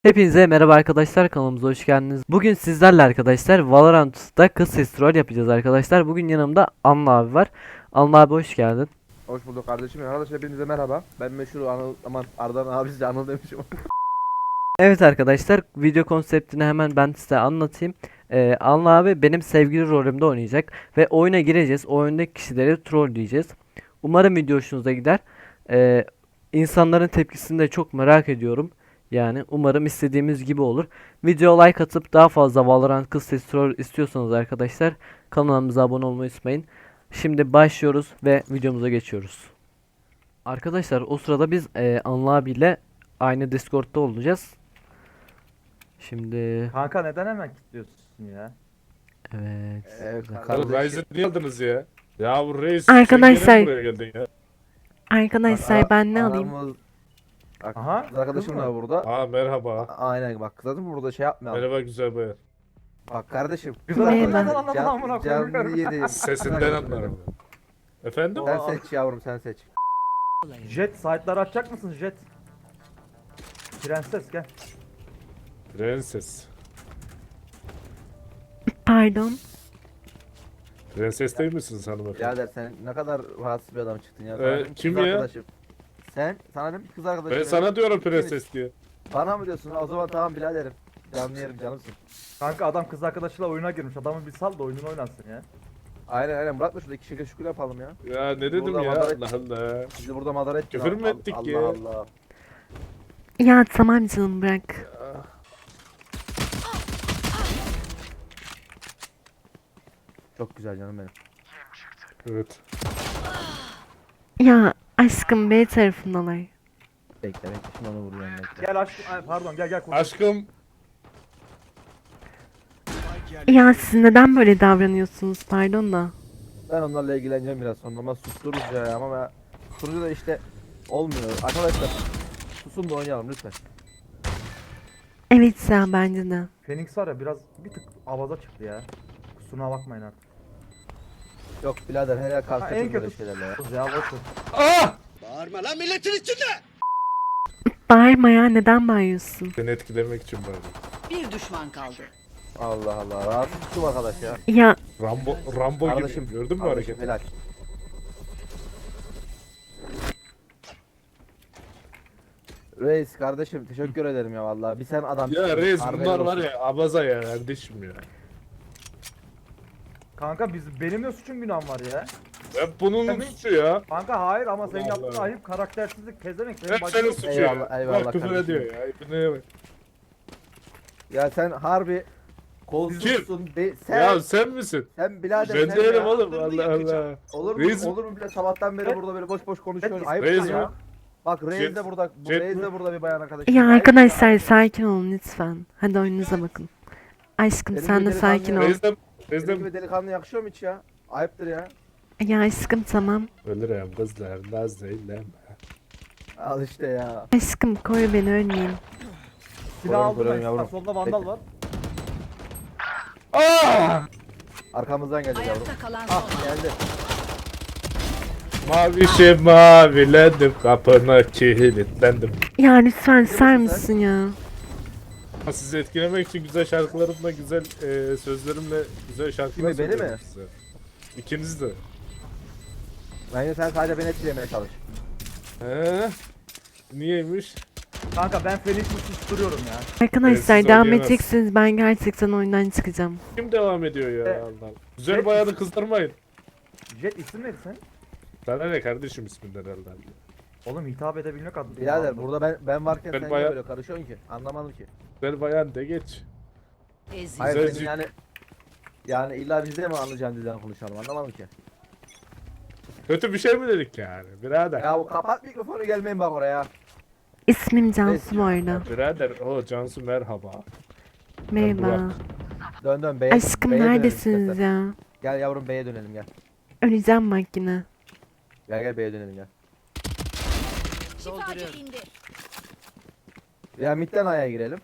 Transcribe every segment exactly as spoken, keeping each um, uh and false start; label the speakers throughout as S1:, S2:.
S1: Hepinize merhaba arkadaşlar, kanalımıza hoş geldiniz. Bugün sizlerle arkadaşlar Valorant'ta kız sesi troll yapacağız arkadaşlar. Bugün yanımda Anıl abi var. Anıl abi hoş geldin.
S2: Hoş bulduk kardeşim. Arkadaşlar hepinize merhaba. Ben meşhur Anıl, aman Ardan abi size Anıl demişim.
S1: Evet arkadaşlar, video konseptini hemen ben size anlatayım. Ee, Anıl abi benim sevgili rolümde oynayacak ve oyuna gireceğiz. Oyundaki kişileri trolleyeceğiz. Umarım video hoşunuza gider. Ee, insanların tepkisini de çok merak ediyorum. Yani umarım istediğimiz gibi olur. Video like atıp daha fazla Valorant kız sesi troll istiyorsanız arkadaşlar kanalımıza abone olmayı unutmayın. Şimdi başlıyoruz ve videomuza geçiyoruz. Arkadaşlar o sırada biz e, Anıl abiyle aynı Discord'da olacağız. Şimdi
S3: Kanka neden hemen kilitliyorsun ya?
S1: evet.
S2: Evet
S1: güzel.
S2: kardeşim.
S4: Ryzen niye aldınız ya? Ya bu reis
S5: Arkadaşlar-
S4: sen gene buraya geldin ya.
S5: Arkadaşlar ben ne alayım?
S2: Aramız- Bak,
S3: Aha,
S2: kız arkadaşım
S3: kız mı?
S2: da burada.
S4: Aa merhaba.
S2: Aynen bak kız arkadaşım burada şey yapmayalım.
S4: Merhaba güzel bayan.
S2: Bak kardeşim.
S3: Kız
S5: Merhaba.
S3: arkadaşından anladın amına
S2: Can,
S3: koyayım.
S2: canlı yedi.
S4: Sesinden anlarım. Efendim?
S2: Sen seç yavrum sen seç.
S3: Jet site'ları açacak mısın Jet? Prenses gel.
S4: Prenses.
S5: Pardon.
S4: Prenses değil misiniz hanımefendi?
S2: Birader sen ne kadar rahatsız bir adam çıktın ya.
S4: Ee,
S2: Sana dedim ki
S4: kim
S2: kız
S4: ya?
S2: Arkadaşım. Sen sana dedim ki kız arkadaşım.
S4: Ben
S2: ya.
S4: sana diyorum prenses diye.
S2: Bana mı diyorsun? O zaman tamam biraderim. Canlı yerim canımsın.
S3: Kanka adam kız arkadaşıyla oyuna girmiş. Adamı bir sal da oyununu oynasın ya.
S2: Aynen aynen bırak da şurada iki şükür şükür yapalım ya.
S4: Ya ne dedim
S2: Burada
S4: ya
S2: madaret-
S4: Allah Allah.
S2: Bizi burada madara ettin.
S4: Küfür mü
S2: Al-
S4: ettik
S2: Allah
S4: ya?
S2: Allah.
S5: Ya tamam canım bırak.
S2: Çok güzel canım benim.
S4: Evet.
S5: Ya aşkım B tarafındalar.
S2: Bekle bekle şimdi onu vuruyorum bekle.
S3: Gel aşkım. Ay, pardon gel gel. konuş.
S4: Aşkım.
S5: Ya siz neden böyle davranıyorsunuz pardon da.
S2: Ben onlarla ilgileneceğim biraz sonra ama sustururuz ya ama ben susturucu da işte olmuyor. Arkadaşlar susun da oynayalım lütfen.
S5: Evet ya bence de.
S3: Phoenix var ya biraz bir tık avaza çıktı ya. Kusuruna bakmayın artık.
S2: Yok birader her yer
S3: Ha,
S2: karşı
S3: en
S2: böyle
S3: kötü.
S2: şeylerle ya.
S3: Kız ya boş ver.
S4: Ah!
S5: Bağırma ya neden bağırıyorsun?
S4: Seni etkilemek için böyle.
S6: Bir düşman kaldı.
S2: Allah Allah rahatsız tuttum arkadaş ya.
S5: Ya
S4: Rambo, Rambo
S2: Kardeşim
S4: gibi. Gördün mü
S2: kardeşim,
S4: hareketi?
S2: helal. Reis kardeşim teşekkür ederim ya vallahi. Bir sen adam.
S4: Ya reis
S2: Harbiden
S4: bunlar var
S2: olsun.
S4: ya abaza ya kardeşim ya.
S3: Kanka biz benim de suçum günahım var ya.
S4: Hep bunun
S3: Tabii.
S4: suçu ya.
S3: Kanka hayır ama senin
S4: Allah
S3: yaptığın
S4: Allah.
S3: ayıp karaktersizlik pezemek. Senin
S4: Hep
S3: bacın
S4: senin
S3: yok.
S4: suçu
S2: Eyvallah,
S4: ya.
S2: eyvallah
S4: Bak küfür
S2: kardeşim.
S4: ediyor ya. İbneye bak.
S2: Ya sen harbi kolsuzsun. Be, sen
S4: Ya sen misin?
S2: sen birader
S4: Ben
S2: sen
S4: değilim
S2: ya.
S4: oğlum Allah Allah.
S2: Olur mu?
S4: Reis-
S2: Olur mu bile sabahtan beri burada böyle boş boş konuşuyoruz. Ayıp
S4: Reis
S2: ya.
S4: mi?
S2: Bak Reis
S4: Jet-
S2: de burada. Bu
S4: Jet
S2: Reis
S4: mi?
S2: de burada bir bayan arkadaşım.
S5: ya
S2: Ayıp
S5: arkadaşlar sakin olun lütfen. Hadi oyununuza bakın. Aşkım
S2: Benim
S5: sen de
S2: bir delikanlı
S5: sakin ol.
S4: Reis'den,
S2: Senin
S4: reis'den
S2: gibi delikanlı yakışıyor mu hiç ya? Ayıptır ya.
S5: Ya aşkım tamam.
S4: ölürüm kızlar naz eyleme.
S2: Al işte ya.
S5: Aşkım koy beni ölmeyeyim.
S3: Silah
S2: Koyarım,
S3: aldım
S2: koyarım
S3: ben.
S2: yavrum.
S3: Solda vandal
S2: Bekle.
S3: var.
S2: Arkamızdan gelecek yavrum.
S6: Ayakta kalan
S2: Ah
S6: son.
S2: geldi.
S4: Mavişim mavilendim kapına kilitlendim.
S5: Ya lütfen sar
S2: musun sen?
S5: mısın ya?
S4: Sizi etkilemek için güzel şarkılarımla, güzel e, sözlerimle güzel şarkılar
S2: Kimi, beni
S4: söylüyorum
S2: mi?
S4: size. İkiniz de.
S2: Bence sen sadece beni etkilemeye çalış.
S4: He? Niyeymiş?
S3: Kanka ben Phoenix'i susturuyorum ya.
S5: Arkadaşlar
S4: siz
S5: devam
S4: oynayamazsınız.
S5: edeceksiniz ben gerçekten oyundan çıkacağım.
S4: Kim devam ediyor ya
S3: E,
S4: Allah. Güzel bayanı kızdırmayın.
S3: Jet isim neydi sen?
S4: Sana ne kardeşim isminden herhalde.
S3: Oğlum hitap edebilmek adına.
S2: Birader burada ben ben varken
S4: Ben
S2: sen
S4: bayağı-
S2: niye böyle karışıyorsun ki? Anlamadım ki.
S4: Güzel bayan de geç.
S6: Ezik.
S2: Hayır
S4: Güzel
S2: senin
S4: cid-
S2: yani yani illa bizde mi anlayacağın dilden konuşalım anlamadım ki.
S4: Kötü bir şey mi dedik yani birader?
S2: Ya bu kapat mikrofonu gelmeyin bak oraya.
S5: İsmim Cansu bu arada.
S4: Birader o Cansu merhaba.
S5: Merhaba.
S4: Burak.
S2: Dön dön B'ye.
S5: Aşkım
S2: B'ye dönelim
S5: neredesiniz
S2: istersen.
S5: ya?
S2: Gel yavrum B'ye dönelim gel.
S5: Öleceğim bak yine.
S2: Gel gel B'ye dönelim gel.
S6: Dolduruyorum.
S2: Ya midden A'ya girelim.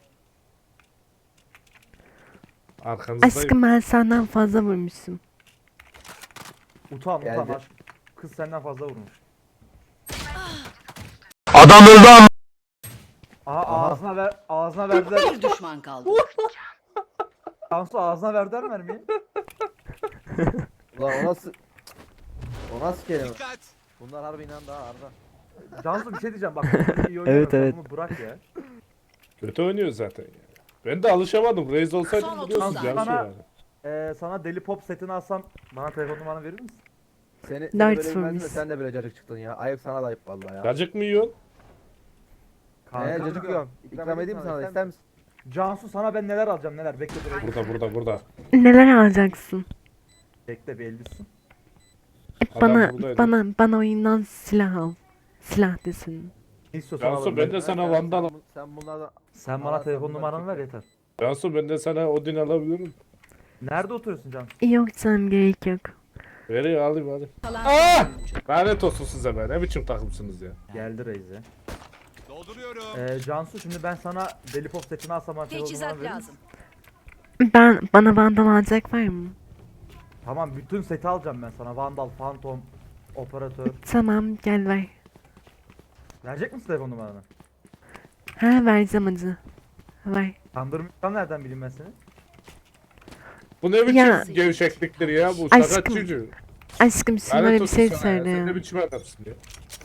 S4: Arkanızdayım.
S5: Aşkım ben senden fazla vurmuşum.
S3: Utan utan
S2: Geldi.
S3: aşk. Kız senden fazla vurmuş. Aha,
S2: Aha.
S3: ağzına ver ağzına verdiler.
S6: Bir düşman kaldı.
S3: Cansu ağzına verdiler mermiyi.
S2: Ulan o nasıl... O nasıl kelime? Bunlar harbi inandı ha Arda.
S3: Cansu bir şey diyeceğim bak. iyi oynuyor,
S1: Evet,
S3: sen
S1: evet.
S3: bunu bırak ya.
S4: Kötü oynuyor zaten ya. Ben de alışamadım. Reis
S6: Son
S4: olsaydım
S6: otuz
S4: biliyorsunuz
S6: saniye.
S4: Cansu
S3: Bana-
S4: yani.
S3: Ee, sana deli pop setini alsam bana telefon numaranı verir misin?
S2: Seni, seni
S5: Dert
S2: böyle bilmezdim de
S5: vurmuş.
S2: sen de böyle cacık çıktın ya. Ayıp sana da ayıp vallahi ya.
S4: Cacık mı yiyorsun?
S2: Eee cacık yiyorum. İkram edeyim mi sana da ister misin?
S3: Cansu sana ben neler alacağım neler bekle dur.
S4: Burada burada burada.
S5: Neler alacaksın?
S3: Bekle bir elbisin.
S4: Adam
S5: Bana
S4: buradaydı.
S5: bana bana oyundan silah al. Silah desin.
S3: Ne istiyorsan
S4: Cansu
S3: alalım.
S4: ben de sana vandal.
S2: Sen, sen bunlardan...
S3: Sen bana
S2: Bana
S3: telefon
S2: sen
S3: numaranı ver
S2: bunları
S3: yeter.
S4: Cansu ben de sana Odin alabilirim.
S3: Nerede oturuyorsun Cansu?
S5: Yok canım gerek yok.
S4: Veriyor alayım hadi.
S6: Kalan
S4: Aa!
S6: son oyuncu.
S4: Lanet olsun size be. Ne biçim takımsınız ya.
S3: Geldi Reize.
S7: Dolduruyorum.
S3: Ee, Cansu şimdi ben sana deli pop setini alsam bana telefon
S6: Teçhizat
S3: numaranı verir misin?
S6: lazım.
S5: Ben bana vandal alacak var mı?
S3: Tamam bütün seti alacağım ben sana. Vandal, Phantom, Operatör.
S5: Tamam gel ver.
S3: Verecek misin telefon numaranı?
S5: Ha vereceğim hadi. Ver.
S3: Kandırmayacağım nereden bileyim ben seni?
S4: Bu ne biçim
S5: Ya.
S4: gevşekliktir ya bu
S5: Aşkım,
S4: sakat çocuğu.
S5: Aşkım şimdi
S4: Lanet
S5: böyle bir
S4: olsun
S5: şey
S4: sana ya.
S5: söyle
S4: Sen
S5: ya.
S4: ne biçim adamsın ya.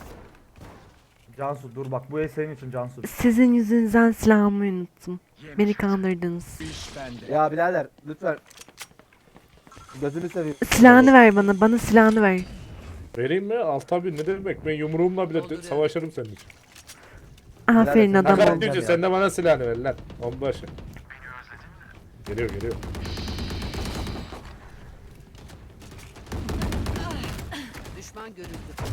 S3: Cansu dur bak bu el senin için Cansu.
S5: Sizin yüzünüzden silahımı unuttum. Beni kandırdınız.
S7: İş bende.
S2: Ya birader lütfen. Gözünü seveyim.
S5: Silahını ver bana. Bana silahını ver.
S4: Vereyim mi? Al tabii ne demek ben yumruğumla bile de- savaşırım senin için.
S5: Aferin
S2: sen-
S5: adamım.
S4: Sakat
S2: olacağım
S4: çocuğu
S2: ya.
S4: sen de bana silahını ver lan. Onbaşı. Geliyor geliyor.
S6: Düşman görüldü.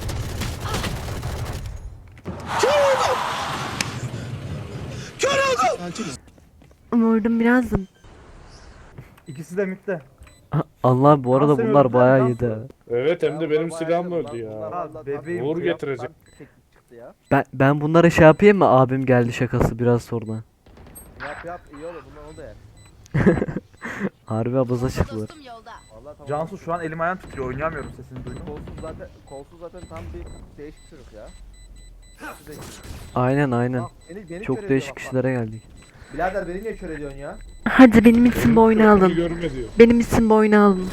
S5: Vurdum biraz da.
S3: İkisi de mitte.
S1: Allah bu arada
S3: Nasıl
S1: bunlar
S3: öldüler
S1: bayağı
S3: lan
S1: iyiydi.
S3: sonra?
S1: ha.
S4: Evet hem
S2: Ya
S4: de
S2: bunlar
S4: benim
S2: bayağı
S4: silahımla
S2: iyi.
S4: öldü ya.
S2: Bunlar vallahi tam-
S3: bebeğim
S4: Uğur
S2: tam
S4: getirecek.
S2: teknik çıktı ya.
S1: Ben ben bunlara şey yapayım mı? Abim geldi şakası biraz sonra.
S2: Yap yap iyi olur bundan oldu ya.
S1: Harbi abaza çıktılar.
S2: Vallahi tamam.
S3: Cansu şu an elim ayağım titriyor oynayamıyorum sesini duydum.
S2: Kolsuz zaten kolsuz zaten tam bir değişik çocuk ya. Nasıl değişik?
S1: Aynen aynen.
S2: Bak, beni, beni
S1: Çok
S2: kör
S1: değişik
S2: ediyor bak,
S1: kişilere geldik.
S2: bak. Birader beni niye kör ediyorsun ya?
S5: Hadi benim için bu oyunu
S4: Beni
S5: alın.
S4: görme diyor.
S5: Benim için bu oyunu alın.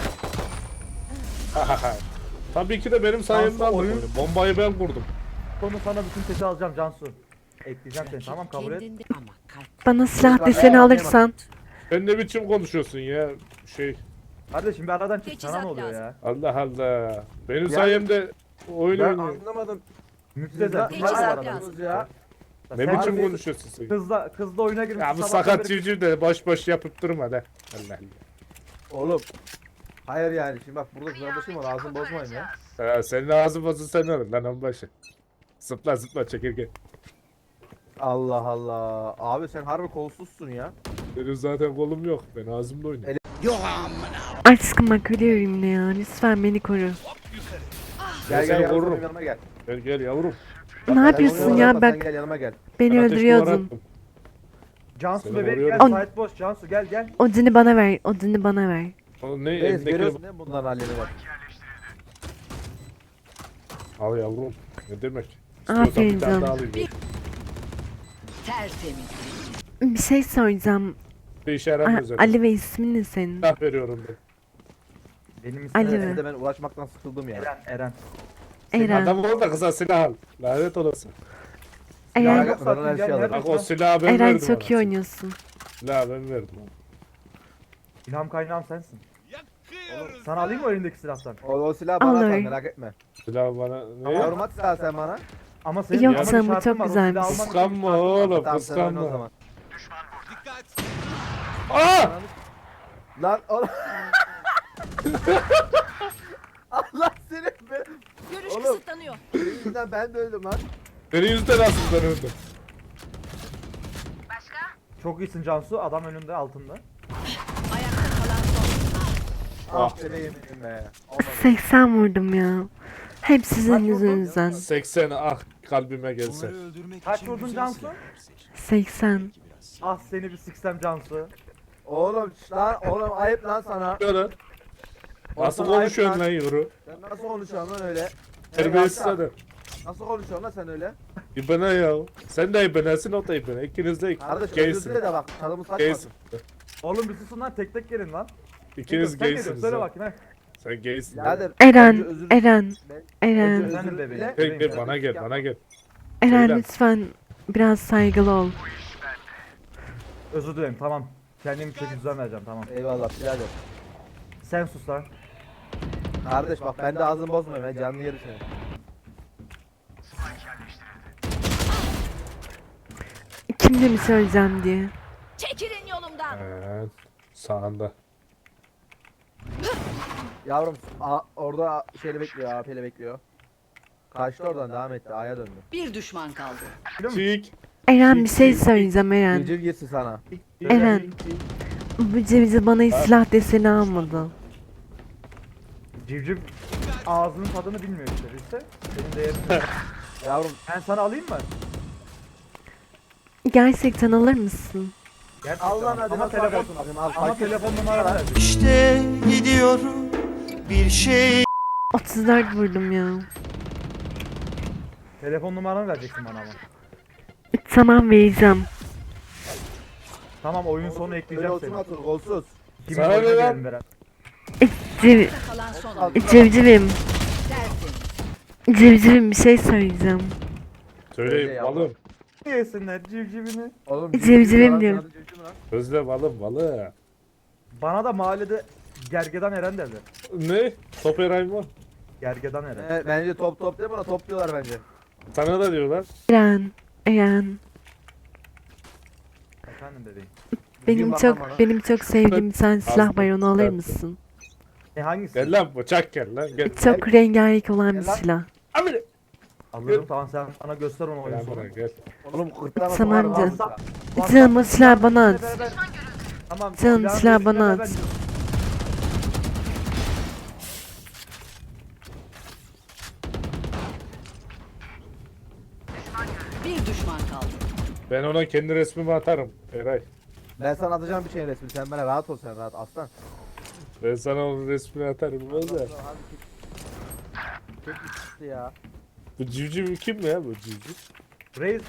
S4: Tabii ki de benim sayemde
S3: Cansu,
S4: aldık
S3: oyun-
S4: oyunu. Bombayı ben kurdum.
S3: Sonra sana bütün seti alacağım Cansu. Ekleyeceğim seni tamam kabul et.
S6: Kendinde ama kalp.
S5: Bana silah
S2: Bak,
S5: deseni
S2: ya,
S5: alırsan.
S4: Sen ne biçim konuşuyorsun ya? Şey
S3: Kardeşim bir aradan çık sana
S6: Teçhizat
S3: ne oluyor
S6: lazım.
S3: ya?
S4: Allah Allah. Benim
S2: Yani-
S4: sayemde oyun
S2: Ben
S4: oynuyor.
S2: anlamadım.
S3: Müptezel.
S2: Siz
S6: Teçhizat
S2: ne
S6: lazım.
S2: yapıyorsunuz ya?
S4: Ne
S3: Sen
S4: biçim
S3: bir-
S4: konuşuyorsun sen?
S3: Kızla, kızla oyuna girmiş.
S4: Ya bu sakat çocuğu da boş boş yapıp durma da. Allah Allah.
S2: Oğlum. Hayır yani şimdi bak burada kardeşim var ağzını bozmayın ya.
S4: Ha, senin ağzın bozun sen olur lan onbaşı. Zıpla zıpla çekirge.
S2: Allah Allah. Abi sen harbi kolsuzsun ya.
S4: Benim zaten kolum yok. Ben ağzımla oynuyorum.
S5: Aşkım bak ölüyorum yine ya. Lütfen beni koru.
S2: Gel
S4: seni
S2: gel yanıma,
S4: korurum.
S2: benim yanıma gel.
S4: Gel gel yavrum.
S5: Ne
S2: Sen
S5: yapıyorsun
S2: oyuna
S5: ya
S2: bakma,
S5: bak
S2: Sen gel yanıma gel.
S5: beni
S4: Ben ateş duvara
S5: öldürüyordun.
S4: attım.
S3: Cansu
S4: Seni
S3: bebeğim gel
S4: koruyorum.
S3: site boş Cansu gel gel.
S5: Odini bana ver. Odini bana ver.
S4: O ne
S2: Reis
S4: elindeki?
S2: görüyorsun değil mi bunların halleri var.
S4: Al yavrum. Ne demek? İstiyorsan
S5: Aferin
S4: bir tane daha
S5: canım.
S4: alayım.
S6: Tertemiz.
S5: Bir şey soracağım.
S4: Bir işe
S5: A-
S4: yaramıyor zaten.
S5: Ali ve ismin ne senin?
S4: Silah veriyorum ben.
S3: Benim ismim
S5: Ali
S3: Eren.
S5: mi?
S2: Evde ben uğraşmaktan sıkıldım ya.
S3: Eren. Eren.
S5: Eren.
S4: Adam orada kıza silah al. Lanet olası.
S2: Ya,
S5: Eren,
S2: yok, ben ona her şeyi alırım.
S4: Bak o silahı ben
S5: Eren
S4: verdim
S5: çok iyi
S4: ona.
S5: oynuyorsun.
S4: Silahı ben verdim.
S3: İlham kaynağım sensin.
S7: Yakıyoruz.
S3: Sana alayım mı elindeki silahtan?
S2: O, o silahı bana
S5: Alır.
S2: atar merak etme.
S4: Silahı bana ne?
S2: Yavrum at silahı sen bana.
S3: Ama senin
S5: Yok
S3: ama bir
S5: canım, bu
S3: şartın
S5: çok
S3: var, o
S5: güzelmiş.
S3: silahı alman için bir
S4: Kıskanma
S3: şartın var.
S4: oğlum
S2: Tamam sen oyna o
S4: kıskanma.
S2: zaman.
S7: Dikkat.
S4: Aa!
S2: Lan oğlum. Allah seni be.
S6: Görüş
S2: Oğlum.
S6: kısıtlanıyor.
S2: Senin yüzünden ben de öldüm lan.
S4: Senin yüzünden aslında ben öldüm.
S3: Çok iyisin Cansu. Adam önünde altında.
S6: Ayakta kalan son.
S2: Ah seni yemin be. Olmadı.
S5: seksen vurdum ya. Hep sizin
S3: Kaç vurdun?
S5: yüzünüzden.
S4: seksen ah kalbime gelse.
S7: öldürmek
S3: Kaç vurdun Cansu?
S5: seksen.
S3: Ah seni bir siksem Cansu.
S2: Oğlum şş lan oğlum ayıp lan sana.
S4: Böyle. Nasıl
S2: Oğlum, ayıp
S4: konuşuyorsun lan yavru?
S2: Sen nasıl konuşuyorsun lan öyle?
S4: Terbiyesiz
S2: Hey,
S4: adam.
S2: Nasıl konuşuyorsun lan sen öyle?
S4: İbana ya. Sen de ibanesin, o da ibane. İkiniz de
S2: Kardeş özür
S4: gaysin.
S2: dile de bak çalımı saçma.
S4: Gaysin.
S3: Oğlum bir susun lan, tek tek gelin lan.
S4: İkiniz
S3: Sen geliyorsun,
S4: gaysiniz.
S3: söyle
S4: ha.
S3: bakayım he.
S4: Sen gaysin.
S2: Birader,
S5: Eren,
S2: önce özür-
S5: Eren,
S2: Ben-
S5: Eren,
S2: Özür-
S3: Efendim bebeğim.
S2: dile.
S4: Gel gel bana gel, bana gel.
S5: Eren
S4: Söyle.
S5: lütfen biraz saygılı ol.
S3: Özür dilerim, tamam. Kendimi çeki düzen vereceğim, tamam.
S2: Eyvallah birader.
S3: Sen sus lan.
S2: Kardeş bak ben de ağzını bozmayayım ben canlı yeri seni.
S5: Kimle mi söyleyeceğim diye.
S6: Çekilin yolumdan.
S4: Evet. Sağında.
S2: Yavrum a, orada şeyle bekliyor A P'yle bekliyor. Kaçtı oradan devam etti A'ya döndü.
S6: Bir düşman kaldı.
S4: Çık.
S5: Eren bir şey söyleyeceğim Eren.
S2: Civciv girsin sana.
S5: Eren. Bu cevizi bana hiç silah deseni almadı.
S3: Civciv ağzının tadını bilmiyor işte, bilse. Senin değerini.
S2: Yavrum
S3: Ben sana alayım mı?
S5: Gerçekten alır mısın?
S3: Gerçekten.
S2: al lan hadi
S3: Ama
S2: nasıl
S3: telefon,
S2: alacaksın bakayım al.
S3: ama
S2: fakir.
S3: telefon numaranı ver.
S8: İşte gidiyorum bir şey
S5: otuz dört vurdum ya.
S3: Telefon numaranı vereceksin bana ama.
S5: Tamam vereceğim.
S3: Tamam, oyun sonu
S2: Öyle
S3: ekleyeceğim
S2: otur
S3: seni.
S2: otur golsuz.
S3: Kimin
S4: Sana ne
S3: oyuna
S4: lan?
S3: girelim beraber.
S5: Civ
S6: Kalan son oyun.
S5: civcivim.
S6: Dersin.
S5: Civcivim bir şey söyleyeceğim.
S2: Öyle
S4: Söyle
S2: ya.
S4: balım.
S3: Yesinler civcivini.
S2: Oğlum
S5: Civcivim
S2: lan,
S5: diyor.
S2: sana civciv mi lan?
S4: Sözle balım balı.
S3: Bana da mahallede Gergedan Eren derler.
S4: Ne? Top Eray mı?
S3: Gergedan Eren.
S2: Evet, bence top top değil buna top diyorlar bence.
S4: Sana da diyorlar.
S5: Eren, Eren.
S3: Efendim bebeğim.
S5: Benim
S2: bak
S5: çok
S2: bana.
S5: benim çok sevdiğim bir tane silah var, onu alır
S4: Evet.
S5: mısın?
S3: E hangisi?
S4: Gel lan bıçak gel lan gel.
S5: Çok rengarenk olan bir
S2: Gel lan.
S5: silah.
S4: Amire.
S3: Alırım, tamam, sen bana göster onu oyun
S4: Gel
S3: sonu.
S4: buraya gel.
S2: Oğlum kırtlağına
S5: Tamam
S2: sokarım
S5: canım.
S2: ağzına.
S5: Canım o silahı bana at.
S3: Beraber- Tamam.
S5: Canım,
S3: silahın
S5: silah
S3: resmine
S5: bana
S3: beraber-
S5: at.
S6: Bir düşman kaldı.
S4: Ben ona kendi resmimi atarım Eray.
S2: Ben sana atacağım bir şeyin resmini sen bana rahat ol sen rahat aslan.
S4: Ben sana onun resmini atarım. Öyle.
S2: Hadi Tek bir çıktı ya.
S4: Bu civciv kim ya bu civciv?
S3: Reis,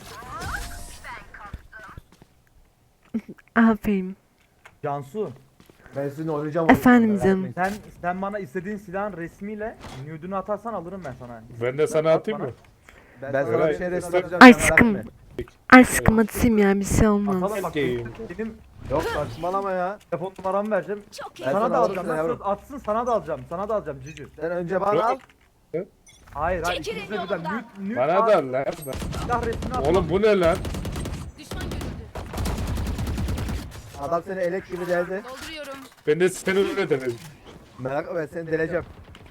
S5: Aferin.
S3: Cansu.
S2: Ben sizinle oynayacağım.
S5: Efendim
S2: oyunu,
S5: canım.
S2: merak etmeyin.
S3: Sen sen bana istediğin silahın resmiyle nude'unu atarsan alırım ben sana.
S4: Ben de sana
S3: At
S4: atayım
S3: bana.
S4: mı?
S2: Ben sana
S4: Eray,
S2: bir şey resmi
S4: sen-
S2: atacağım. sen merak
S5: Aşkım.
S2: etme.
S5: Aşkım atayım ya, bir şey olmaz.
S3: Atalım bak.
S4: Okey.
S3: Benim
S2: Yok saçmalama ya.
S3: telefon numaramı vereceğim.
S6: Çok iyi.
S2: Ben
S3: sana
S2: sana
S3: da
S2: alırım
S3: alacağım.
S2: sen
S3: Lan
S2: yavrum.
S3: söz atsın, sana da alacağım. Sana da alacağım cücü.
S2: Sen önce bana al.
S3: Hayır hayır,
S6: Çekilin
S3: ikimiz de birden
S6: yolumdan.
S3: nude, nude
S4: Bana
S3: at,
S4: da al lan.
S3: silah resmini at.
S4: Oğlum bu ne lan?
S6: Düşman görüldü.
S2: Adam seni elek gibi deldi.
S6: Dolduruyorum.
S4: Ben de seni öyle denedim.
S2: Merak etme ben seni deleceğim.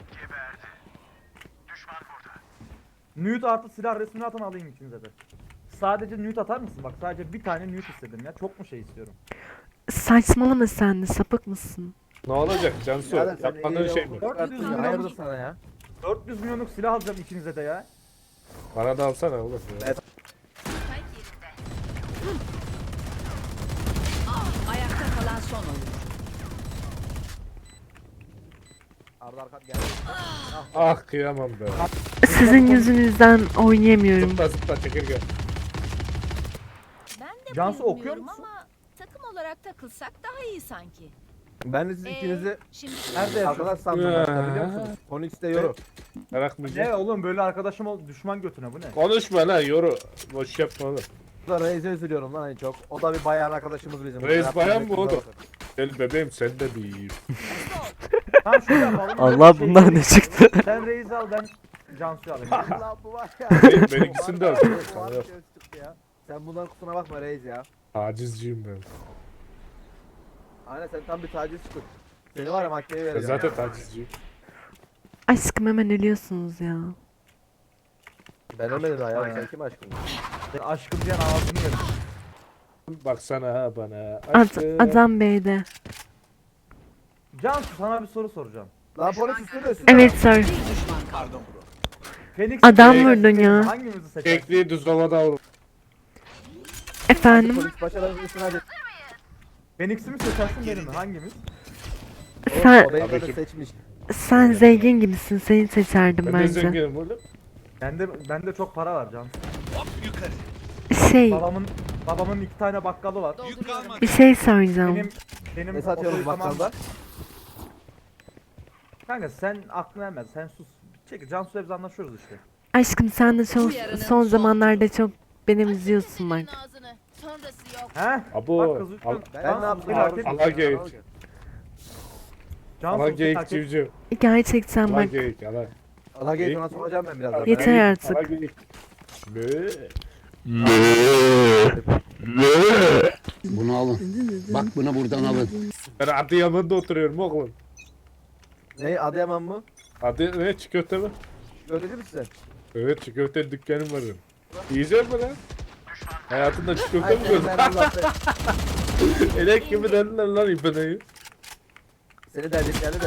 S3: Nude artı silah resmini atan alayım ikinize de. Sadece nude atar mısın? Bak sadece bir tane nude istedim ya. Çok mu şey istiyorum?
S5: Saçmalama sen de, sapık mısın?
S4: Ne olacak Cansu?
S2: Birader, sen
S4: Yapmadığın
S2: iyi
S4: şey
S2: yavrum,
S4: mi?
S2: çıkarttın ya, Hayırdır sana ya?
S3: dört yüz milyonluk silah alacağım ikinize de ya.
S4: Bana da alsana oğlum. ya.
S2: Evet.
S6: Ayakta kalan son oyun.
S2: Arda arka geldi.
S4: Ah kıyamam be.
S5: Sizin yüzünüzden oynayamıyorum.
S4: Zıpla zıpla çekirge.
S9: Ben de
S3: Cansu, okuyor
S9: bilmiyorum
S3: musun?
S9: ama takım olarak takılsak daha iyi sanki.
S2: Ben de siz
S9: Ee,
S2: ikinizi
S9: Şimdi
S3: Nerede
S2: arkadaş
S3: yaşıyorsun?
S2: sandım
S4: Ya.
S2: başta biliyor musunuz? Phoenix'te yoru.
S4: Merakmayacak.
S3: Ne oğlum, böyle arkadaşım ol, düşman götüne bu ne?
S4: Konuşma lan yoru. Boş yapma oğlum.
S2: Burada Reis'e üzülüyorum lan en çok. O da bir bayan arkadaşımız bizim.
S4: Reis
S2: Yaptığımız
S4: bayan mı
S2: kızlar
S4: o da?
S2: olsun.
S4: Gel bebeğim sen de bir.
S3: Tamam şöyle yapalım.
S1: Allah
S3: Şey,
S1: bundan ne çıktı?
S3: Sen Reis'i al, ben Cansu'yu alayım.
S2: Lan bu var ya.
S4: Benim, benimkisini de al.
S2: Bu var
S4: Sana
S2: ya,
S4: yok.
S2: göz çıktı ya. Sen bundan kusura bakma Reis ya.
S4: Tacizciyim ben.
S2: Aynen sen tam bir taciz çıktın. Seni var ya mahkemeye
S4: Ben
S2: vereceğim.
S4: zaten tacizciyim.
S5: Aşkım hemen ölüyorsunuz ya.
S2: Ben ölmedim daha ya. Sen kim aşkın?
S3: Sen aşkım diyen ağzını yerim.
S4: Baksana ha bana.
S5: Ad,
S4: Aşkım.
S5: adam B'de.
S3: Cansu, sana bir soru soracağım.
S2: Lan polis üstünde üstünde.
S5: Evet sir.
S6: Bir düşman kaldı.
S3: Phoenix
S5: Adam
S3: mi,
S5: vurdun
S3: Reis'i mi?
S5: ya.
S3: Hangimizi seçersin?
S4: Kekliği düz havada al.
S5: Efendim?
S2: Polis başarılı üstüne hadi.
S3: Phoenix'i mi seçersin, beni mi? Hangimiz?
S5: Sen,
S2: O beni
S4: Tabii
S2: de
S4: ki.
S2: seçmiş.
S5: sen zengin gibisin, seni seçerdim
S4: Ben de
S5: bence.
S4: zenginim oğlum.
S3: Bende bende çok para var Cansu.
S7: hazır.
S5: Şey,
S3: Babamın babamın iki tane bakkalı var.
S7: Yük kalmadı.
S5: bir şey soracağım.
S3: Benim benim
S2: Ne satıyoruz
S3: otoyukamam
S2: bakkalda?
S3: var. Kanka sen aklına ermez. Sen sus. Çekil. Cansu hep anlaşıyoruz işte.
S5: Aşkım sen de son,
S6: Bu yarının
S5: son
S6: son
S5: zamanlarda çok beni üzüyorsun bak.
S9: Senin ağzını. Sonrası yok.
S3: He?
S4: Abo.
S3: Bak kız
S4: Al,
S3: lütfen.
S2: Ben
S3: Cansu
S2: ne yaptım?
S3: bir hareket-
S4: Allah geyik.
S3: Cansu
S4: Allah
S3: bir
S4: geyik
S3: hareket-
S4: civciv.
S5: Gerçekten
S4: Allah
S5: bak.
S4: geyik. Allah.
S2: Allah geyik ona soracağım ben birazdan.
S5: Yeter
S4: Allah
S5: artık.
S4: geyik. Mö.
S10: Bunu alın. Bak bunu buradan alın.
S4: Ben Adıyaman'da oturuyorum oğlum.
S2: Ne Adıyaman mı?
S4: Adı ne? Çiğ köfte mi?
S2: Öyle misin sen?
S4: Evet, çiğ köfte dükkanım var benim. Yiyecek mi lan? Hayatında çiğ köfte
S2: Ay,
S4: mi
S2: seni
S4: gördün?
S2: ben Allah be-
S4: Elek gibi dediler lan ipeneyi.
S2: Seni derdikleri de.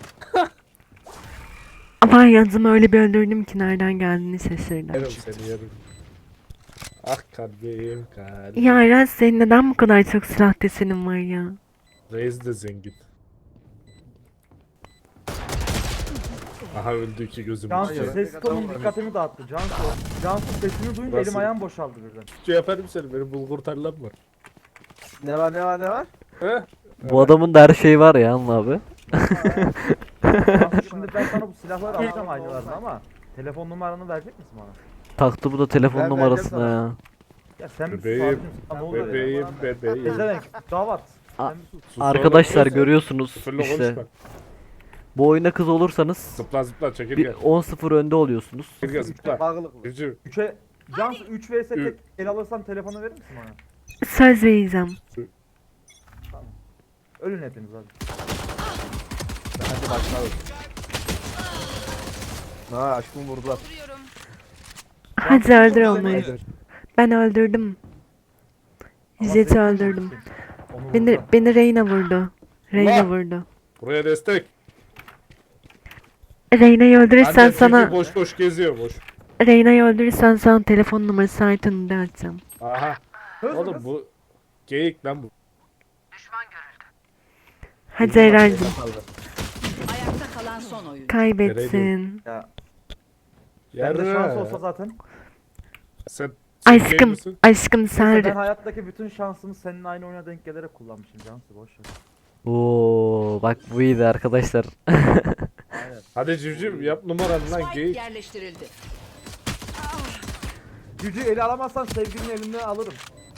S5: Ama yazımı öyle bir öldürdüm ki nereden geldiğini şaşırdım.
S4: Yerim seni yerim. Ah kalbim kalbim.
S5: Ya Eren senin neden bu kadar çok silah desenin var ya?
S4: Reis de zengin. Aha öldü iki gözüm.
S3: Cansu
S2: Hayır.
S3: ses tonun dikkatimi dağıttı. Cansu. Cansu sesini duyunca
S4: Nasıl?
S3: elim ayağım boşaldı birden.
S4: Şey yaparım seni, benim bulgur tarlam var.
S2: Ne var ne var ne var?
S4: He?
S1: Bu adamın da her şeyi var ya Anıl abi.
S3: Cansu şimdi ben sana bu silahları alacağım aynılarını ama telefon numaranı verecek misin bana?
S1: Taktı bu da telefon
S2: Ben
S1: numarasına
S2: vereceğim
S1: ya.
S3: Ya sen bir sus
S4: Bebeğim,
S3: abicim. Sana ne oluyor ya?
S4: Bebeğim bebeğim.
S3: Ezerenk davat.
S1: A-
S3: Sen bir sus.
S4: Sus
S1: Arkadaşlar
S4: oğlum,
S1: görüyorsunuz
S4: Sıfırla
S1: işte.
S4: konuşma.
S1: Bu oyuna kız olursanız
S4: Zıpla zıpla çekil
S1: bir
S4: gel.
S1: on sıfır önde oluyorsunuz.
S4: Çekil gel zıpla.
S2: Bağlılık.
S4: Civciv.
S3: Üçe Cansu üç vs
S4: Ü-
S3: tek el alırsan telefonu verir misin bana?
S5: Söz vereceğim.
S3: Ölün hepiniz hadi.
S2: Hadi başlayalım. Ha aşkımı vurdular.
S9: Duruyorum.
S5: Hadi öldür
S3: Çok
S5: onları.
S3: güzel.
S5: Ben öldürdüm.
S3: Ama
S5: Jet'i
S3: sen-
S5: öldürdüm.
S3: Onu
S5: Beni,
S3: vurdular.
S5: beni Reyna vurdu. Reyna
S4: Allah!
S5: vurdu.
S4: Buraya destek.
S5: Reyna'yı öldürürsen
S4: Annem
S5: sana
S4: civciv boş boş geziyor boş.
S5: Reyna'yı öldürürsen sana telefon numarası Aytun'u atacağım.
S4: Aha.
S3: Hız
S4: Oğlum
S3: hız.
S4: bu geyik lan bu.
S5: Hadi Eren'cim
S6: Ayakta kalan son oyuncu.
S5: kaybetsin.
S3: Ya bende şans
S4: Yarra.
S3: olsa zaten.
S4: Sen, sen gay
S5: Aşkım,
S4: misin?
S5: aşkım
S3: Neyse,
S5: sen
S3: ben hayattaki bütün şansımı senin aynı oyuna denk gelerek kullanmışım Cansu boş ver.
S1: Oo bak bu iyiydi arkadaşlar.
S4: Hadi civciv yap numaranı lan
S6: Spike
S4: geyik.
S6: yerleştirildi.
S3: Gücü eli alamazsan sevgilinin elinden alırım.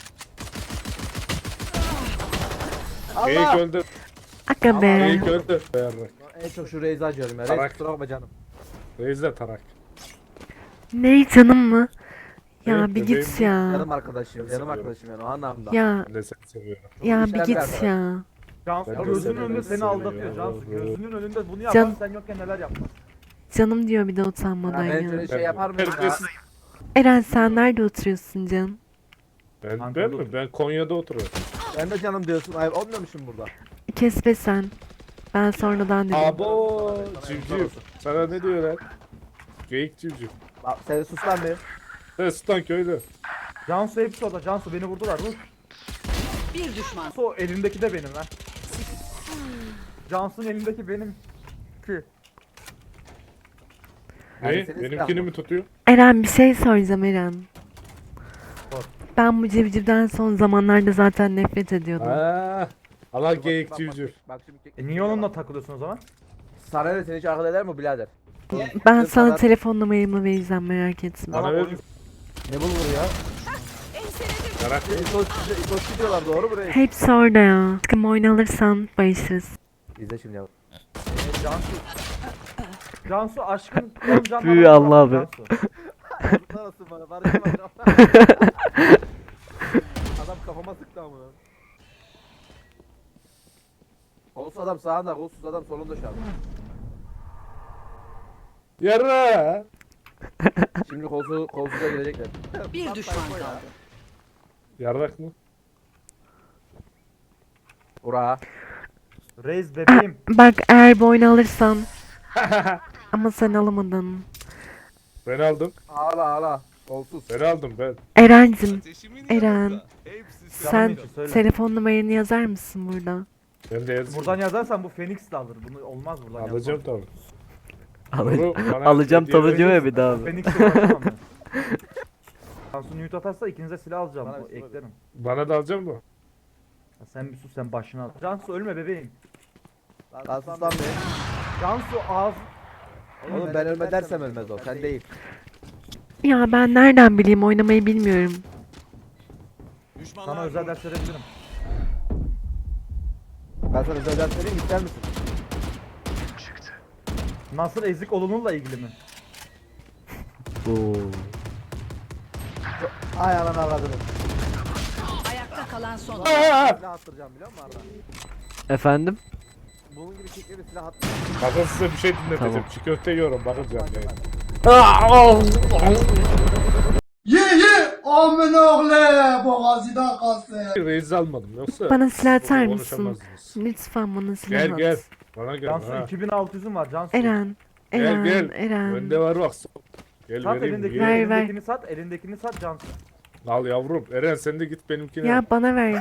S4: Geyik öldü.
S5: Aga be.
S4: Geyik öldü. Yarra.
S2: En çok şu Reis'i acıyorum ya. Reis
S4: Tarak.
S2: kusura bakma canım.
S4: Reis de tarak.
S5: Ne canım mı? Ya
S4: Evet,
S5: bir
S4: bebeğim.
S5: git ya.
S2: Yanım arkadaşım. Yanım
S4: seviyorum.
S2: arkadaşım yani o anlamda.
S5: Ya
S4: Ben de seni seviyorum.
S5: ya bir
S2: işler
S5: git
S2: biraz
S5: ya.
S3: Cansu
S4: Ben de
S3: gözünün
S4: seni
S3: önünde seni
S4: seviyorum.
S3: aldatıyor Cansu. Gözünün önünde bunu
S5: Can-
S3: yapan sen yokken neler yapmaz.
S5: Canım diyor bir de
S2: Ya
S5: utanmadan
S2: ben
S5: ya.
S2: şöyle şey yapar mıyım ya?
S4: Terbiyesiz.
S5: Eren sen nerede oturuyorsun canım?
S4: Ben, ben
S3: Ankara'da
S4: mi? Ben Konya'da oturuyorum.
S2: Ben de canım diyorsun. Ay olmuyormuşum burada.
S5: Kes be sen. Ben sonradan dedim.
S4: Abo civciv. Sana ne diyorlar? Geyik civciv.
S2: Bak sen sus lan be.
S4: Sen Sultan köylü.
S3: Cansu hepsi orada. Cansu beni vurdular. Vur.
S6: Bir düşman.
S3: Cansu o elindeki de benim lan. Cansu'nun elindeki benim. Ki.
S2: Yani
S4: Ne?
S2: senin
S4: Benimkini
S2: silah
S4: mi tutuyor?
S5: Eren bir şey soracağım Eren.
S3: Sor.
S5: Ben bu civcivden son zamanlarda zaten nefret ediyordum.
S4: Aa, Allah
S2: Bak,
S4: geyik
S2: bak,
S4: civciv.
S2: bak, Bak şimdi.
S3: E niye onunla takılıyorsun o zaman?
S2: Sana ne seni hiç akıl eder mi birader?
S5: Ben
S2: Sırf
S5: sana
S2: sana-
S5: telefon numaramı vereceğim merak etme.
S4: Bana
S3: Tamam,
S4: ver.
S3: oyun-
S2: Ne bulur ya?
S4: Yarak.
S2: İtos, İtos gidiyorlar doğru mu Reis?
S5: Hepsi orada ya. Aşkım oyun alırsan barışırız.
S2: İzle şimdi yavrum.
S3: E, Cansu. Cansu aşkın on can
S1: Tüy,
S3: falan
S1: Allah
S3: var
S1: abi.
S3: Cansu.
S2: Yazıklar olsun bana. Barış'a bak. Adam kafama sıktı ama. Kolsuz adam sağında, kolsuz adam solunda şu an.
S4: Yara.
S2: Şimdi kolsuz, kolsuza gelecekler.
S6: Bir düşman kaldı.
S4: Yarrak mı?
S2: Ura.
S3: Reis bebeğim.
S5: Bak eğer bu oyunu alırsan. Ama sen alamadın.
S4: Ben aldım.
S2: Ağla ağla. Kolsuz.
S4: Ben aldım ben.
S5: Eren'cim
S7: Ateşimin
S5: Eren.
S7: yanında. Hepsi
S3: Canım
S5: sen
S3: için söyle.
S5: telefon numaranı yazar mısın burada?
S4: Ben de yazdım.
S3: Buradan yazarsan bu Phoenix de alır. Bunu olmaz buradan
S4: Alacağım
S3: yazmam.
S4: tabii.
S1: Al-
S4: Bunu bana
S1: Alacağım
S4: hediye
S1: tabii diyor ya
S4: vereceksin.
S1: bir daha abi.
S3: Phoenix'e ulaşamam ben. Cansu nude atarsa ikinize silah alacağım.
S2: Bana
S3: O,
S2: bir şey
S3: eklerim.
S4: Bana da alacak mı?
S3: Ya sen bir sus, sen başına al. Cansu ölme bebeğim.
S2: Lan sus lan be.
S3: Cansu ağız...
S2: Oğlum ben ölme dersem ölmez o. Sen değil.
S5: Ya ben nereden bileyim, oynamayı bilmiyorum.
S7: Düşmanlar
S3: Sana özel ders verebilirim.
S2: Ben sana özel ders vereyim, ister misin?
S3: Nasıl ezik olunurla ilgili mi?
S1: Oo.
S2: Ay ananı avradını.
S6: Ayakta kalan son oyuncu.
S2: Silah attıracağım biliyor musun Arda?
S1: Efendim?
S2: Bunun gibi çekleri silah attıracağım.
S4: Bakın size bir şey dinleteceğim.
S1: Tamam.
S4: Çiğ köfte yiyorum bakacağım yani.
S8: Ye ye amin oğlu boğazıdan kalsın.
S4: Reis almadım yoksa.
S5: Bana silah atar
S4: burada
S5: mısın?
S4: konuşamazdınız.
S5: Lütfen bana silah
S4: Gel
S5: at.
S4: gel. Bana gel.
S3: Cansu
S4: Ha.
S3: iki bin altı yüzüm var Cansu.
S5: Eren.
S4: Gel
S5: Eren.
S4: gel.
S5: Eren.
S4: Bende var bak. Gel
S3: Sat
S4: vereyim.
S3: elindekini,
S4: ye.
S5: Ver, ver.
S3: elindekini sat, elindekini sat Cansu.
S4: Al yavrum. Eren sen de git benimkine.
S5: Ya bana ver.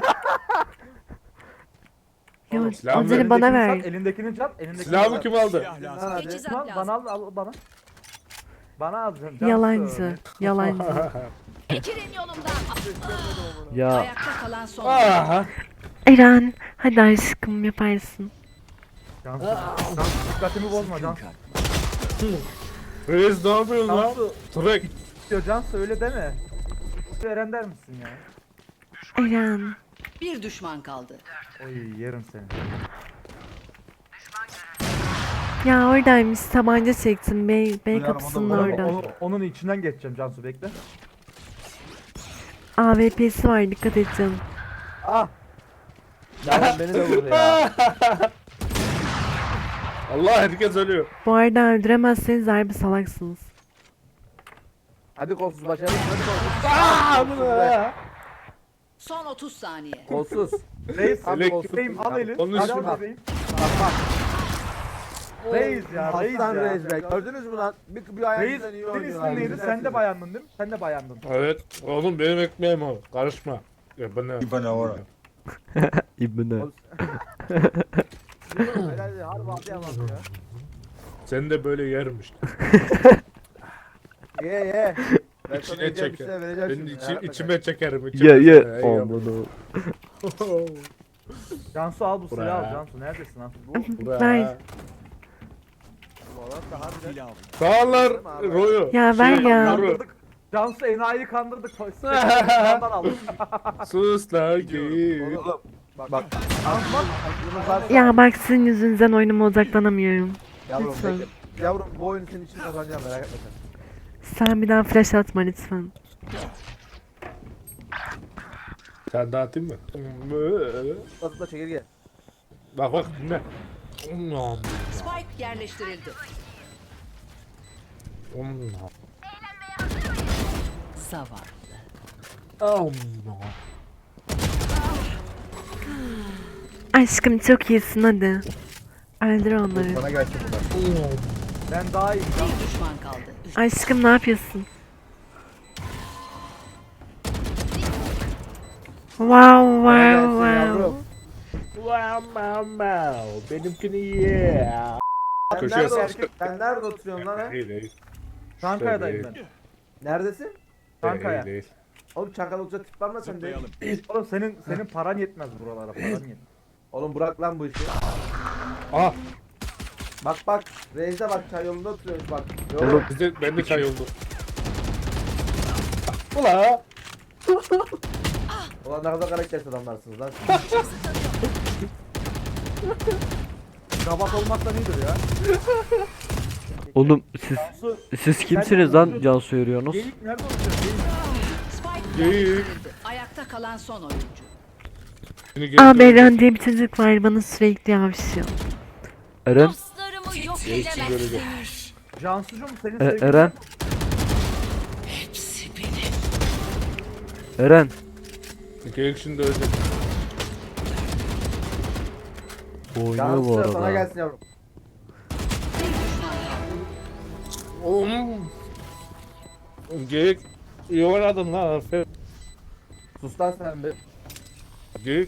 S5: Ya
S3: Oğlum,
S4: silahımı
S5: onları bana
S3: Elindekini
S5: ver.
S3: Sat, elindekini sat, elindekini
S4: Silahımı
S3: sat.
S4: kim aldı?
S7: Silah lazım.
S2: Lan hadi.
S9: Teçhizat
S3: Lan
S9: lazım.
S3: bana al, al bana. Bana al Cansu.
S5: Yalancı. Yalancı.
S9: Çekilin yolumdan.
S1: Ya
S6: Ayakta kalan son oyuncu.
S4: Aha.
S5: Eren. Hadi aşkım yaparsın.
S3: Cansu, Cansu dikkatimi bozma Cansu.
S4: Reis ne yapıyorsun lan?
S3: Cansu,
S4: Trek.
S3: diyor Cansu öyle deme. Eren der misin ya?
S5: Eren.
S6: Bir düşman kaldı.
S3: Oy yerim seni.
S5: Ya oradaymış, tabanca çektim. Bey, bey kapısının
S3: Onun,
S5: orada.
S3: onun, onun içinden geçeceğim Cansu bekle.
S5: A W P'si var, dikkat et canım.
S2: Ah! Ya beni de vurdu ya.
S4: Allah herkes ölüyor.
S5: Bu arada öldüremezseniz harbi salaksınız.
S2: Hadi kolsuz başarılı. Hadi kolsuz. Aaa bu ne ya?
S6: Son otuz saniye.
S2: Kolsuz.
S3: Reis,
S2: Abi
S4: Elek-
S2: kolsuz.
S3: bebeğim al elini.
S4: Onun
S3: Hadi
S4: için-
S3: al bebeğim. Reis ya, reis
S2: Aslan
S3: ya.
S2: reis be. Gördünüz mü lan? Bir, bir
S3: Reis,
S2: ayağınızdan iyi
S3: senin
S2: oynuyor.
S3: ismin neydi? Sen de bayandın değil mi? Sen de bayandın.
S4: Evet. Oğlum benim ekmeğim o. Karışma. Ya bana.
S8: Bana ora.
S1: İbne.
S2: Helal harbi atlayamam ya.
S4: Sen de böyle yermiş.
S2: Ye ye. Ben sana
S4: İçine
S2: yiyeceğim bir
S4: çeker.
S2: şey vereceğim
S4: Ben
S2: şimdi.
S4: içi,
S2: Merak etme.
S4: içime çekerim. içime
S1: Ye ye.
S4: çekerim. Ey
S1: Aman
S4: yavrum.
S1: o.
S3: Cansu al bu silahı al
S4: Buraya.
S3: Cansu. Neredesin lan?
S4: Bura.
S5: Ver.
S2: Bu adam da harbiden-
S4: Sağlar Royu.
S5: Ya ver
S4: Şey,
S5: ya.
S4: Royu.
S3: Cansu enayi kandırdık. Ondan aldık.
S4: Sus la git.
S2: Oğlum bak bak. Aklınız varsa-
S5: Ya bak, sizin yüzünüzden oyunuma odaklanamıyorum.
S2: Yavrum
S5: lütfen.
S2: bekle. Yavrum bu oyunu senin için kazanacağım merak etme sen.
S5: Sen bir daha flash atma lütfen.
S4: Sen dağıtayım mı?
S2: Nasıl da çekirge.
S4: Bak bak dinle.
S6: Spike yerleştirildi. Zavallı.
S5: Aşkım çok iyisin, hadi. Öldür onları.
S2: Bana gelsin bunlar.
S3: Ben daha iyi.
S6: Bir düşman kaldı.
S5: Aşkım ne yapıyorsun? Wow
S2: Bana
S5: wow
S2: gelsin
S5: wow.
S2: yavrum.
S4: Wow wow wow. Benimkini ye.
S2: Sen
S4: Köşeye
S2: nerede,
S4: sıkıştır.
S2: sen nerede oturuyorsun lan ha?
S4: Değil değil.
S3: Çankaya'dayım ben.
S2: Neredesin?
S3: Çankaya.
S4: Değil, değil.
S2: Oğlum Çankaya olacak tip var mı sende?
S7: Zıplayalım.
S3: Oğlum senin senin paran yetmez buralara, paran yetmez.
S2: Oğlum bırak lan bu işi.
S4: Ah
S2: Bak bak. Reis'e bak çay yolunda oturuyormuş bak. Yok.
S1: Oğlum.
S4: bize ben de çay oldu. Ula.
S2: Ulan ne kadar karaktersiz adamlarsınız lan.
S3: Kabak olmaktan iyidir ya.
S1: Oğlum siz
S3: Cansu,
S1: siz kimsiniz lan Cansu yürüyorsunuz?
S3: geyik nerede oturuyor? Geyik.
S6: Spike
S4: Geyik.
S6: yerleştirildi. Ayakta kalan son oyuncu.
S4: Seni geri
S5: Aa,
S4: döneceğim.
S5: Beren diye bir çocuk var, bana sürekli yavşıyor.
S1: Eren,
S9: Dostlarımı yok
S4: Geçsin görecek.
S9: edemezsiniz.
S3: Cansucuğum senin
S1: E-
S3: sevgilin
S1: Eren, Eren.
S4: Geyik şimdi ölecek.
S1: Oynuyor bu
S2: Cansu sana
S1: arada.
S2: gelsin yavrum.
S4: Oğlum. Geyik. İyi oynadın lan aferin.
S2: Sus lan sen bir.
S4: Geyik.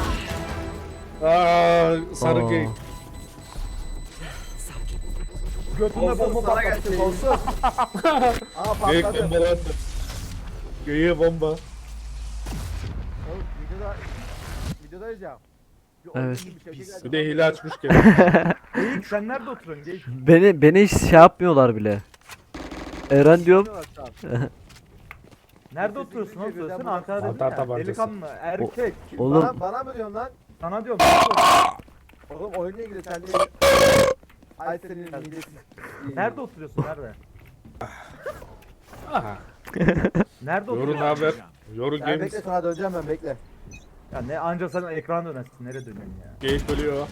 S4: Aa, sarı
S1: Aa.
S4: geyik.
S3: Götünde
S2: Olsun
S3: bomba
S2: sana
S3: patlattı.
S2: gelsin olsun. Aa
S4: Geyik
S2: patladı.
S4: bombalandı. Geyiğe bomba.
S2: Oğlum, videoda videodayız ya. Bir oyun
S1: Evet.
S2: gibi bir şey geldi.
S4: Bir de hile açmış kendisi.
S3: Geyik sen nerede oturuyorsun Geyik?
S1: Beni beni hiç şey yapmıyorlar bile. Eren diyorum.
S3: Nerede oturuyorsun oğlum
S2: Birden
S3: söylesene
S2: bana-
S3: Ankara'da
S4: Mantar
S3: ya.
S4: tabancası.
S3: Delikanlı, erkek.
S1: Oğlum
S2: Bana, bana mı diyorsun lan?
S3: Sana diyorum. nerede oturuyorsun?
S2: Oğlum oyunla ilgili sen de... Ay senin hilesi.
S3: Nerede oturuyorsun nerede?
S4: Aha.
S3: Nerede
S4: Yoru
S3: oturuyorsun?
S4: ne haber? Yoru
S2: Sen
S4: Games.
S2: bekle sana döneceğim ben bekle.
S3: Ya ne anca sen ekran dönersin. Nereye dönüyorsun ya?
S4: Geyik ölüyor.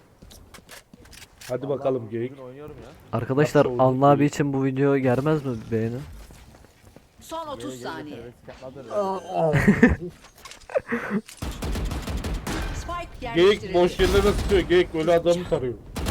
S4: Hadi bakalım
S2: Vallahi
S4: geyik.
S2: bugün oynuyorum ya.
S1: arkadaşlar
S4: Nasıl oldu
S1: Anla abi
S4: geyik?
S1: için bu video gelmez mi beğeni?
S6: Son otuz saniye. Spike
S4: Geyik
S6: yerleştirildi.
S4: boş yerlere tutuyor. Geyik ölü adamı tarıyor.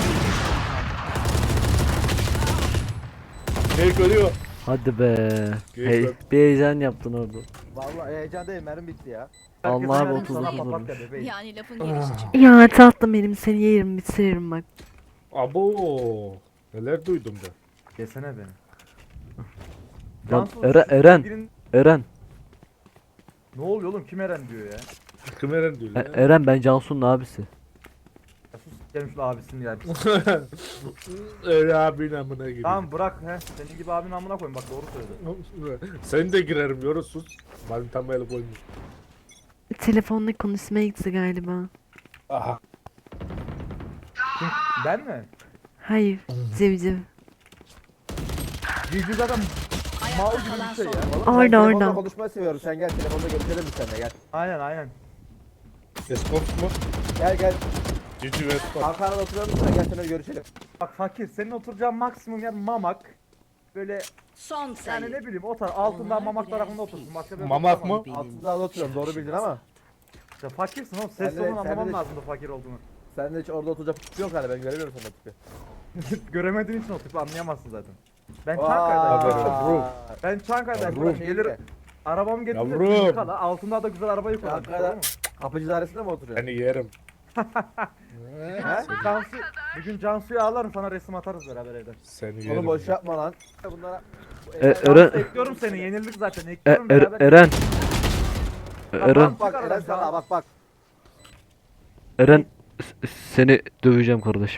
S4: Geyik ölüyor.
S1: Hadi be.
S4: Geyik
S1: Hey,
S4: öl-
S1: bir heyecan yaptın orada.
S2: Vallahi heyecan değil mermi bitti ya.
S3: Herkes
S1: Allah abi
S3: aynen
S1: otuz
S3: sana
S1: otuz
S3: papatya
S1: vurmuş.
S3: bebeğim.
S9: Yani lafın gelişi çıktı.
S5: Ya tatlım benim seni yerim bitiririm bak.
S4: Abo. Neler duydum ben.
S3: Yesene beni.
S1: Lan
S3: Cansız,
S1: Eren,
S3: şu
S1: Eren,
S3: sevgilin-
S1: Eren,
S3: Ne oluyor oğlum kim Eren diyor ya?
S4: Kımeren diyor
S1: E-
S4: ya.
S1: Eren ben Cansu'nun abisi.
S3: Ya sus gelin şu abisini ya.
S4: Öyle abinin amına gibi.
S3: Tamam bırak he. Senin gibi abinin amına koyun bak doğru söyledi.
S4: Sen de girerim yoru sus. Benim tam el koymuş.
S5: Telefonla konuşmaya gitti galiba.
S4: Aha.
S3: Kim? Ben mi?
S5: Hayır. Civciv.
S3: Civciv zaten mal
S6: Ayakta
S3: gibi
S6: kalan
S3: bir şey
S6: son
S3: ya.
S6: oyuncu.
S2: Oğlum, ben
S5: Orada,
S2: telefonda
S5: orada.
S2: konuşmayı seviyorum. Sen gel telefonda görüşelim biz seninle gel.
S3: Aynen aynen.
S4: Escort mu?
S2: Gel gel.
S4: Cici ve escort.
S2: Ankara'da oturuyor musun? Gel seninle görüşelim.
S3: Bak fakir senin oturacağın maksimum yer mamak. Böyle
S6: Son
S3: yani
S6: sayı.
S3: ne bileyim o taraf altından
S6: Onlar
S3: mamak
S6: biraz
S3: tarafında otursun. Başka bir yerde
S4: Mamak
S3: oturamam.
S4: mı?
S2: Altında da oturuyorum doğru bildin ama.
S3: İşte fakirsin oğlum. Ses
S2: Sen de-
S3: tonunu
S2: sen de-
S3: anlamam lazımdı fakir olduğunu.
S2: Sen de hiç orada oturacak tipi yok hala ben göremiyorum senden tipi.
S3: Göremediğin için o tipi anlayamazsın zaten. Ben
S2: Vay.
S3: Çankaya'dayım. Ben Çankaya'dayım.
S4: Yavrum.
S3: Gelir arabamı getirir.
S4: Yavrum.
S3: Yıkala. Altında da güzel araba yıkala.
S2: Çankaya'da kapıcı dairesinde mi oturuyor?
S4: Seni yerim.
S3: He? Cansu, bir gün Cansu'yu ağlarım sana resim atarız beraber evden.
S4: Seni
S2: Onu
S4: yerim.
S2: boş yapma lan. Bunlara...
S1: E, Eren,
S3: Ekliyorum seni yenildik zaten
S1: e,
S3: ekliyorum
S1: Er-
S3: beraber.
S1: Eren, Eren,
S2: Bak bak Eren sana bak bak.
S1: Eren, s- seni döveceğim kardeşim.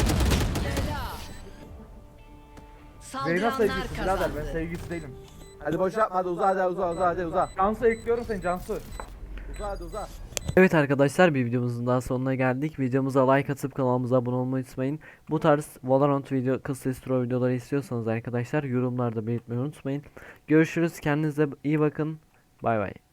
S3: Zeyna
S6: Saldıranlar
S3: sevgilisi birader ben
S6: kazandı.
S3: sevgilisi değilim.
S2: Hadi boş yapma hadi uza hadi uza uza hadi uza.
S3: Cansu ekliyorum seni Cansu.
S2: Uza hadi uza.
S1: Evet arkadaşlar bir videomuzun daha sonuna geldik. Videomuza like atıp kanalımıza abone olmayı unutmayın. Bu tarz Valorant video, kısa intro videoları istiyorsanız arkadaşlar yorumlarda belirtmeyi unutmayın. Görüşürüz. Kendinize iyi bakın. Bay bay.